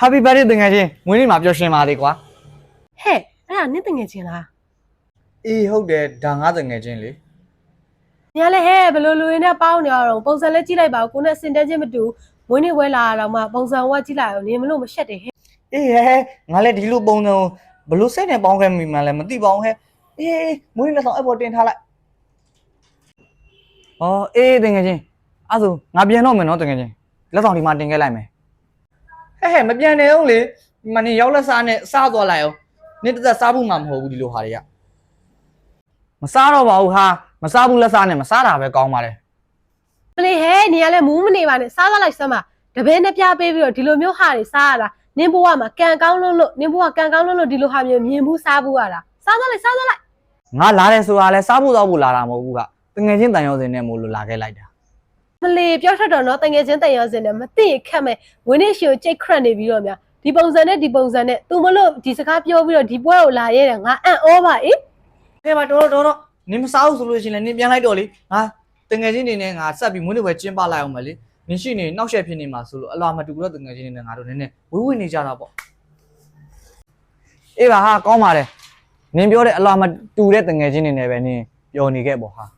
Happy birthday တငယ်ချင်းမွေးနေ့မှာပျော်ရွှင်ပါလေကွာဟဲ့အဲ့ဒါနင့်တငယ်ချင်းလားအေးဟုတ်တယ်ဒါငါတငယ်ချင်းလေညာလဲဟဲ့ဘလို့လူရင်းနဲ့ပေါင်းနေရတော့ပုံစံလေးကြည့်လိုက်ပါကိုနဲ့စင်တန်းချင်းမတူမွေးနေ့ဝဲလာတော့မှပုံစံဝက်ကြည့်လိုက်အောင်နင်မလို့မရှက်တယ်ဟဲ့အေးဟဲ့ငါလည်းဒီလိုပုံစံဘလို့စိတ်နဲ့ပေါင်းခဲ့မိမှလည်းမသိပါဘူးဟဲ့အေးမွေးနေ့လက်ဆောင်အပေါ်တင်ထားလိုက်အော်အေးတငယ်ချင်းအဲ့ဆိုငါပြန်တော့မယ်နော်တငယ်ချင်းလက်ဆောင်ဒီမှာတင်ခဲ့လိုက်မယ်ဟဲ့မပြန်နေအောင်လေဒီမှာနေရောက်လက်စားနဲ့စားသွားလိုက်အောင်နေ့တစ်သက်စားဖို့မှမဟုတ်ဘူးဒီလိုဟာတွေကမစားတော့ပါဘူးဟာမစားဘူးလက်စားနဲ့မစားတာပဲကောင်းပါလေပလေဟဲ့နင်ကလည်းမူးမနေပါနဲ့စားသွားလိုက်စမ်းပါတပည့်နဲ့ပြပေးပြီးတော့ဒီလိုမျိုးဟာတွေစားရတာနင်ဘဝမှာကံကောင်းလို့နင်ဘဝကံကောင်းလို့ဒီလိုဟာမျိုးမြင်ဘူးစားဘူးရတာစားသွားလိုက်ငါလာတယ်ဆိုတာလဲစားဖို့တော့ဖို့လာတာမဟုတ်ဘူးကတငယ်ချင်းတန်ရောစင်နဲ့မို့လို့လာခဲ့လိုက်တာမလီပြောထွက်တော့နော်တငယ်ချင်းတန်ရောစင်နဲ့မသိခက်မဲ့ဝင်းနေရှင်ကိုကြိတ်ခရက်နေပြီးတော့များဒီပုံစံနဲ့သူမလို့ဒီစကားပြောပြီးတော့ဒီပွဲကိုလာရဲတယ်ငါအံ့ဩပါအေးဟဲ့မတော်နင်မစားဘူးဆိုလို့ရှိရင်လည်းနင်ပြန်လိုက်တော့လေငါတငယ်ချင်းနေနဲ့ငါဆက်ပြီးမွေးနေ့ပဲကျင်းပလိုက်အောင်မလေနင်ရှိနေနောက်ဆက်ဖြစ်နေမှာဆိုလို့အလွာမတူတော့တငယ်ချင်းနေနဲ့ငါတို့နည်းနည်းဝေးဝေးနေကြတာပေါ့အေးပါဟာကောင်းပါတယ်နင်ပြောတဲ့အလွာမတူတဲ့တငယ်ချင်းနေနဲ့ပဲနင်ပျော်နေခဲ့ပေါ့ဟာ